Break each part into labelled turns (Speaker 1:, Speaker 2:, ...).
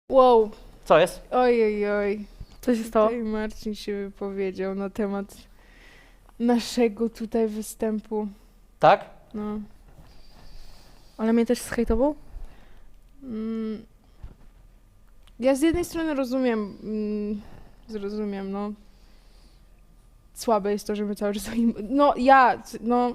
Speaker 1: Wow,
Speaker 2: Co jest?
Speaker 1: oj.
Speaker 3: Co się stało?
Speaker 1: Tutaj Marcin się wypowiedział na temat naszego tutaj występu.
Speaker 2: Tak?
Speaker 1: No.
Speaker 3: Ale mnie też zhejtował?
Speaker 1: Ja z jednej strony zrozumiem, no. Słabe jest to, że my cały czas o nim... No...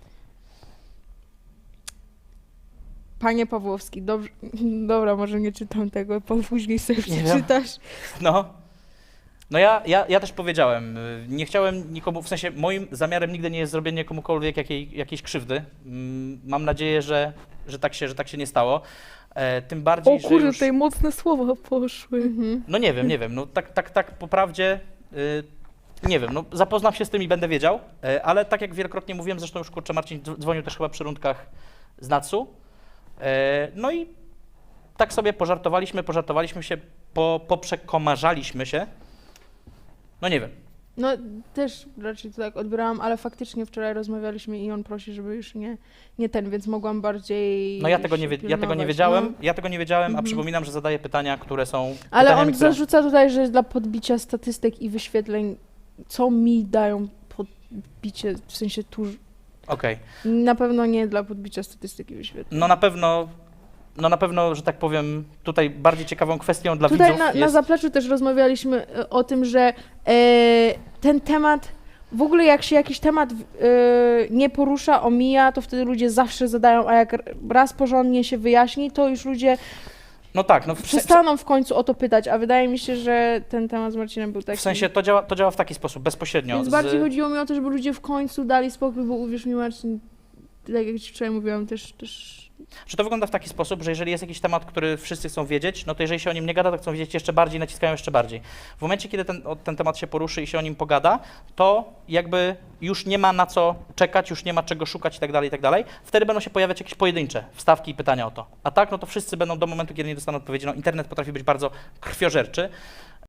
Speaker 1: Panie Pawłowski, dobrze... Dobra, może nie czytam tego, później sobie
Speaker 2: Nie wiem.
Speaker 1: przeczytasz.
Speaker 2: No ja też powiedziałem, nie chciałem nikomu, w sensie moim zamiarem nigdy nie jest zrobienie komukolwiek jakiejś krzywdy. Mam nadzieję, że tak się nie stało. Tym bardziej,
Speaker 3: O kurde,
Speaker 2: że już...
Speaker 3: tutaj mocne słowa poszły.
Speaker 1: Mhm.
Speaker 2: No nie wiem, no tak po prawdzie, nie wiem, no zapoznam się z tym i będę wiedział, ale tak jak wielokrotnie mówiłem, zresztą już kurczę Marcin dzwonił też chyba przy rundkach z Natsu, no i tak sobie pożartowaliśmy się, poprzekomarzaliśmy się, no nie wiem.
Speaker 1: No też raczej to tak odbierałam, ale faktycznie wczoraj rozmawialiśmy i on prosi, żeby już nie ten, więc mogłam bardziej
Speaker 2: No ja tego nie
Speaker 1: pilnować,
Speaker 2: wiedziałem,
Speaker 1: no.
Speaker 2: a
Speaker 1: Mhm.
Speaker 2: przypominam, że zadaję pytania, które są
Speaker 1: Ale
Speaker 2: pytaniami,
Speaker 1: on
Speaker 2: które...
Speaker 1: zarzuca tutaj, że dla podbicia statystyk i wyświetleń, co mi dają podbicie, w sensie
Speaker 2: Okej.
Speaker 1: na pewno nie dla podbicia statystyk i wyświetleń.
Speaker 2: No na pewno, że tak powiem, tutaj bardziej ciekawą kwestią dla
Speaker 1: Tutaj
Speaker 2: widzów
Speaker 1: na
Speaker 2: jest...
Speaker 1: zapleczu też rozmawialiśmy o tym, że ten temat, w ogóle jak się jakiś temat nie porusza, omija, to wtedy ludzie zawsze zadają, a jak raz porządnie się wyjaśni, to już ludzie
Speaker 2: No tak, no
Speaker 1: przestaną w końcu o to pytać, a wydaje mi się, że ten temat z Marcinem był taki.
Speaker 2: w sensie to działa w taki sposób, bezpośrednio.
Speaker 1: Więc bardziej chodziło mi o to, żeby ludzie w końcu dali spokój, bo uwierz mi Marcin, tak jak ci wczoraj mówiłam, też...
Speaker 2: Że to wygląda w taki sposób, że jeżeli jest jakiś temat, który wszyscy chcą wiedzieć, no to jeżeli się o nim nie gada, to chcą wiedzieć jeszcze bardziej, naciskają jeszcze bardziej. W momencie, kiedy ten temat się poruszy i się o nim pogada, to jakby już nie ma na co czekać, już nie ma czego szukać i tak dalej, wtedy będą się pojawiać jakieś pojedyncze wstawki i pytania o to. A tak, no to wszyscy będą do momentu, kiedy nie dostaną odpowiedzi. No internet potrafi być bardzo krwiożerczy.